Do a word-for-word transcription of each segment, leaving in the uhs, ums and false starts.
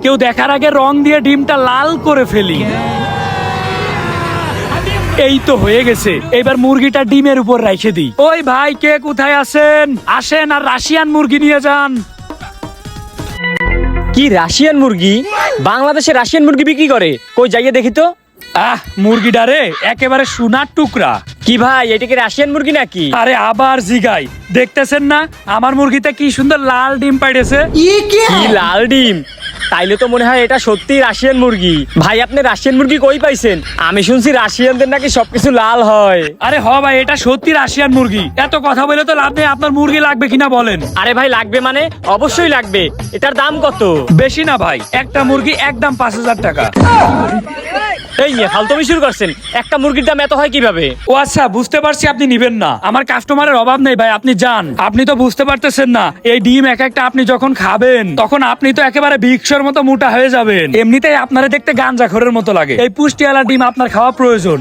কেউ দেখার আগে রং দিয়ে ডিমটা লাল করে ফেলি। এই তো হয়ে গেছে, এবার মুরগিটা ডিমের উপর রেখে দিই। ওই ভাই, কে কোথায় আছেন? আসেন আর রাশিয়ান মুরগি নিয়ে যান। কি রাশিয়ান মুরগি? বাংলাদেশে রাশিয়ান মুরগি বিক্রি করে? কই যাইয়ে দেখি তো। আহ, মুরগিটা রে একেবারে সোনার টুকরা। কি ভাই, এটা কি রাশিয়ান মুরগি নাকি? আরে আবার জিগাই, দেখতেছেন না আমার মুরগিতে কি সুন্দর লাল ডিম পাইতেছে। কি লাল ডিম? তাইলে তো মনে হয় এটা সত্যি রাশিয়ান মুরগি। ভাই, আপনি রাশিয়ান মুরগি কই পাইছেন? আমি শুনছি রাশিয়ানদের নাকি সবকিছু লাল হয়। আরে হ ভাই, এটা সত্যি রাশিয়ান মুরগি। এত কথা বলে তো লাভ নেই, আপনার মুরগি লাগবে কিনা বলেন। আরে ভাই, লাগবে মানে অবশ্যই লাগবে। এটার দাম কত? বেশি না ভাই, একটা মুরগি একদম পাঁচ হাজার টাকা। এই নিয়ে ফালতুমি শুরু করছেন। একটা মুরগির দাম এত হয় কিভাবে? ও আচ্ছা, বুঝতে পারছি আপনি নিবেন না। আমার কাস্টমারের অভাব নেই ভাই, আপনি যান। আপনি তো বুঝতে পারতেছেন না, এই ডিম এক একটা আপনি যখন খাবেন তখন আপনি তো একেবারে ভিক্ষর মতো মোটা হয়ে যাবেন। এমনিতেই আপনারা দেখতে গাঞ্জাখোরের মতো লাগে। এই পুষ্টিওয়ালা ডিম আপনার খাওয়া প্রয়োজন।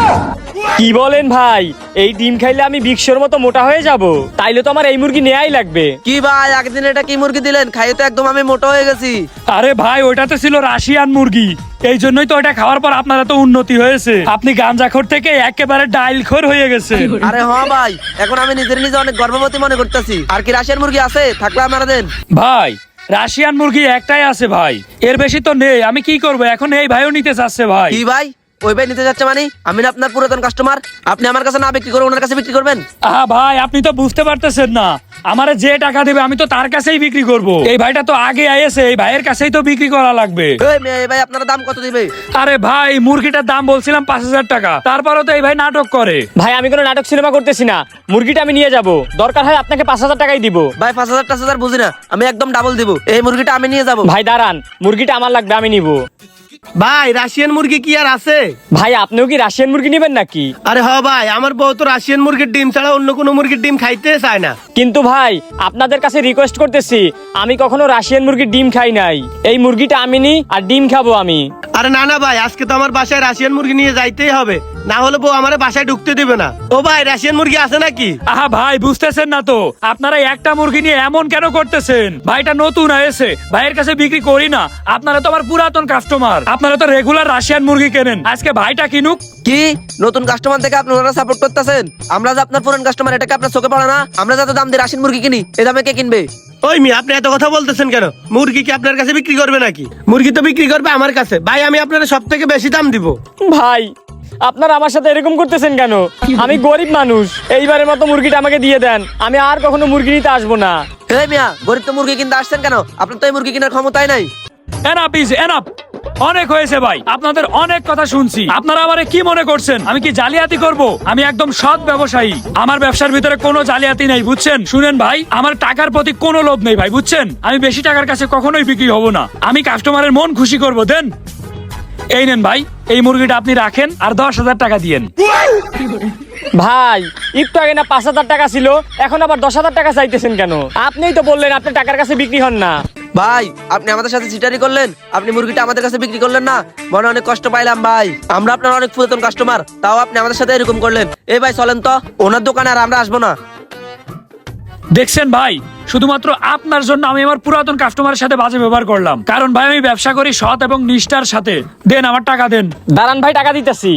কি বলেন ভাই? এই ডিম খাইলে আমি ভিক্ষর মতো মোটা হয়ে যাব? তাইলে তো আমার এই মুরগি নেয়াই লাগবে। কি ভাই, একদিন এটা কি মুরগি দিলেন? খাইয়ে তো একদম আমি মোটা হয়ে গেছি। আরে ভাই, ওইটাতে ছিল রাশিয়ান মুরগি, এই জন্যই তো ওটা খাওয়ার পর আপনারা তো উন্নতি হয়েছে। আপনি গাঞ্জাখোর থেকে একেবারে ডাইলখোর হয়ে গেছে। আরে হ্যাঁ ভাই, এখন আমি নিজের নিজে অনেক গর্ভবতী মনে করতেছি। আর কি রাশিয়ান মুরগি আছে? থাকলে আমার দেন ভাই। রাশিয়ান মুরগি একটাই আছে ভাই, এর বেশি তো নেই। আমি কি করব এখন? এই ভাইও নিতে চাচ্ছে ভাই। কি ভাই, ওই ভাই নিতে যাচ্ছে মানে? আমি না আপনার পুরাতন কাস্টমার, আপনি আমার কাছে না বিক্রি করে ওনার কাছে বিক্রি করবেন? আহা ভাই, আপনি তো বুঝতে পারতেছেন না, আমারে যে টাকা দেবে আমি তো তার কাছেই বিক্রি করব। এই ভাইটা তো আগে আইছে, এই ভাইয়ের কাছেই তো বিক্রি করা লাগবে। এই মেয়ে, এই ভাই আপনার দাম কত দিবে? আরে ভাই, মুরগিটার দাম বলছিলাম পাঁচ হাজার টাকা, তারপরও তো এই ভাই নাটক করে। ভাই, আমি কোনো নাটক সিনেমা করতেছি না। মুরগিটা আমি নিয়ে যাব, দরকার হয় আপনাকে পাঁচ হাজার টাকাই দিব। ভাই পাঁচ হাজার টাচ হাজার বুঝি না, আমি একদম ডাবল দিব। এই মুরগিটা আমি নিয়ে যাবো। ভাই দাঁড়ান, মুরগিটা আমার লাগবে, আমি নিব। ভাই, রাশিয়ান মুরগি কি আর আছে? ভাই, আপনিও কি রাশিয়ান মুরগি নেবেন নাকি? আরে হ ভাই, আমার বউ তো রাশিয়ান মুরগির ডিম ছাড়া অন্য কোনো মুরগির ডিম খাইতে চায় না। কিন্তু ভাই, আপনাদের কাছে রিকোয়েস্ট করতেছি, আমি কখনো রাশিয়ান মুরগির ডিম খাই নাই। এই মুরগিটা আমি নি আর ডিম খাবো আমি। আরে না না ভাই, আজকে তো আমার বাসায় রাশিয়ান মুরগি নিয়ে যাইতেই হবে, না হলে বউ আমার বাসায় ঢুকতে দিবে না। ও ভাই, রাশিয়ান মুরগি আছে নাকি? আহা ভাই, বুঝতেছেন না তো, আপনারা একটা মুরগি নিয়ে এমন কেন করতেছেন? ভাইটা নতুন হয়েছে, ভাইয়ের কাছে বিক্রি করি না। আপনারা তো আমার পুরাতন কাস্টমার, আপনারা তো রেগুলার রাশিয়ান মুরগি কেনেন, আজকে ভাইটা কিনুক। কি নতুন কাস্টমার থেকে আপনি ওনারা সাপোর্ট করতেছেন? আমরা যে আপনার পুরান কাস্টমার, এটাকে আপনার চোখে পড়ে না? আমরা যত দাম দিয়ে রাশিয়ান মুরগি কিনি, এই দামে কে কিনবে? ওই মি, আপনি এত কথা বলতেছেন কেন? মুরগি কি আপনার কাছে বিক্রি করবে নাকি? মুরগি তো বিক্রি করবে আমার কাছে। ভাই, আমি আপনার সব থেকে বেশি দাম দিব। ভাই, আপনারা আমার সাথে এরকম করতেছেন কেন? আমি গরিব মানুষ, এইবারের মতো মুরগিটা আমাকে দিয়ে দেন, আমি আর কখনো মুরগি নিতে আসবো না। এই মিয়া, গরিব তো মুরগি কিনতে আসছেন কেন? আপনার তো এই মুরগি কেনার ক্ষমতাই নাই। এনাফ ইজ এনাফ, অনেক হয়েছে ভাই, আপনাদের অনেক কথা শুনছি। আপনারা আমারে কি মনে করছেন আমি কি জালিয়াতি করব? আমি একদম সৎ ব্যবসায়ী, আমার ব্যবসার ভিতরে কোনো জালিয়াতি নেই, বুঝছেন? শুনেন ভাই, আমার টাকার প্রতি কোনো লোভ নেই ভাই, বুঝছেন? আমি বেশি টাকার কাছে কখনোই বিক্রি হব না। আমি কাস্টমারের মন খুশি করব। দেন, এই নেন ভাই, এই মুরগিটা আপনি রাখেন আর দশ হাজার টাকা দিয়েন। ভাই, একটু আগে না পাঁচ হাজার টাকা ছিল, এখন আবার দশ হাজার টাকা চাইতেছেন কেন? আপনিই তো বললেন আপনি টাকার কাছে বিক্রি হন না। ভাই, আপনি আমাদের সাথে চিটারি করলেন, আপনি মুরগিটা আমাদের কাছে বিক্রি করলেন না। মনে অনেক কষ্ট পাইলাম ভাই, আমরা আপনার অনেক পুরাতন কাস্টমার, তাও আপনি আমাদের সাথে এরকম করলেন। এই ভাই চলেন তো, ওনার দোকানে আর আমরা আসবো না। দেখছেন ভাই, শুধুমাত্র আপনার জন্য আমি আমার পুরাতন কাস্টমারের সাথে বাজে ব্যবহার করলাম, কারণ ভাই আমি ব্যবসা করি সৎ এবং নিষ্ঠার সাথে। দেন আমার টাকা দেন। দাঁড়ান ভাই, টাকা দিতেছি।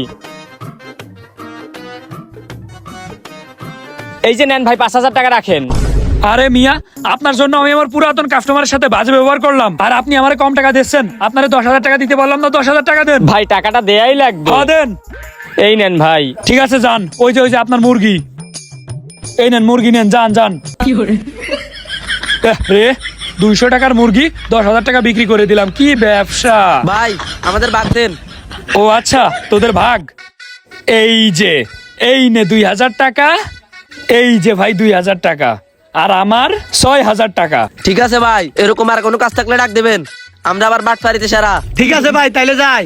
এই যে নেন ভাই, পাঁচ হাজার টাকা রাখেন। আরে মিয়া, আপনার জন্য আমি আমার পুরাতন কাস্টমারের সাথে বাজে ব্যবহার করলাম, আর আপনি আমার কম টাকা দিচ্ছেন। আপনারে দশ হাজার টাকা দিতে বললাম না, দশ হাজার টাকা দেন ভাই, টাকাটা দেয়াই লাগবে। হ্যাঁ, দেন। এই নেন ভাই। ঠিক আছে, যান। ওই যে ওই যে আপনার মুরগি, এই নেন মুরগি নেন, যান যান। এহ, রে দুইশো টাকার মুরগি দশ হাজার টাকা বিক্রি করে দিলাম, কি ব্যবসা! ভাই, আমাদের বাদ দেন। ও আচ্ছা, তোদের ভাগ। এই যে, এই নে দুই হাজার টাকা, এই যে ভাই দুই হাজার টাকা, আর আমার ছয় হাজার টাকা। ঠিক আছে ভাই, এরকম আর কোনো কাজ থাকলে ডাক দেবেন, আমরা আবার বাট ফারিতে সারা। ঠিক আছে ভাই, তাইলে যাই।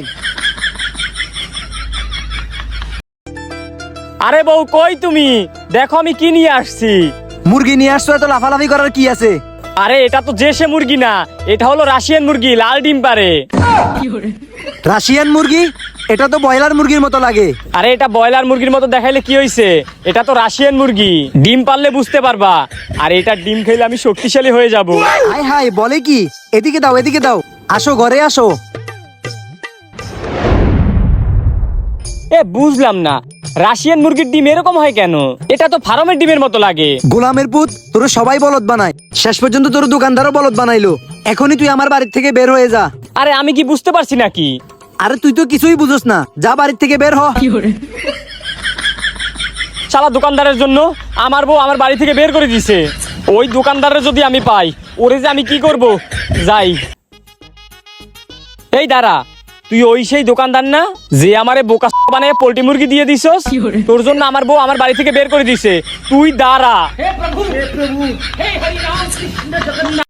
আরে বউ, কই তুমি? দেখো আমি কি নিয়ে আসছি। মুরগি নিয়ে আসছো, এত লাফালাফি করার কি আছে? আরে এটা তো দেশি মুরগি না, এটা হলো রাশিয়ান মুরগি, লাল ডিম পারে। রাশিয়ান মুরগি? এটা তো ব্রয়লার মুরগির মতো লাগে। আরে এটা ব্রয়লার মুরগির মতো দেখাইলে কি হইছে? এটা তো রাশিয়ান মুরগি, ডিম পারলে বুঝতে পারবা। আর এটা ডিম খেলে আমি শক্তিশালী হয়ে যাব। হাই হাই, বলে কি? এদিকে দাও, এদিকে দাও। আসো ঘরে আসো। এ বুঝলাম না, রাশিয়ান মুরগির ডিম এরকম হয় কেন? এটা তো ফার্মের ডিমের মতো লাগে। গোলামের পুত, তোর সবাই বলদ বানায়, শেষ পর্যন্ত তোর দোকানদারও বলদ বানাইলো। এখনই তুই আমার বাড়ির থেকে বের হয়ে যা। আরে আমি কি বুঝতে পারছি নাকি? আরে তুই তো কিছুই বুঝোস না, যা বাড়ির থেকে বের হ। শালা দোকানদারের জন্য আমার বউ আমার বাড়ি থেকে বের করে দিছে। ওই দোকানদারের যদি আমি পাই, ওরে যে আমি কি করব। যাই। এই দাঁড়া, তুই ওই সেই দোকানদার না যে আমারে বোকা বানায় পোল্ট্রি মুরগি দিয়ে দিছস? তোর জন্য আমার বউ আমার বাড়ি থেকে বের করে দিছে। তুই দাঁড়া।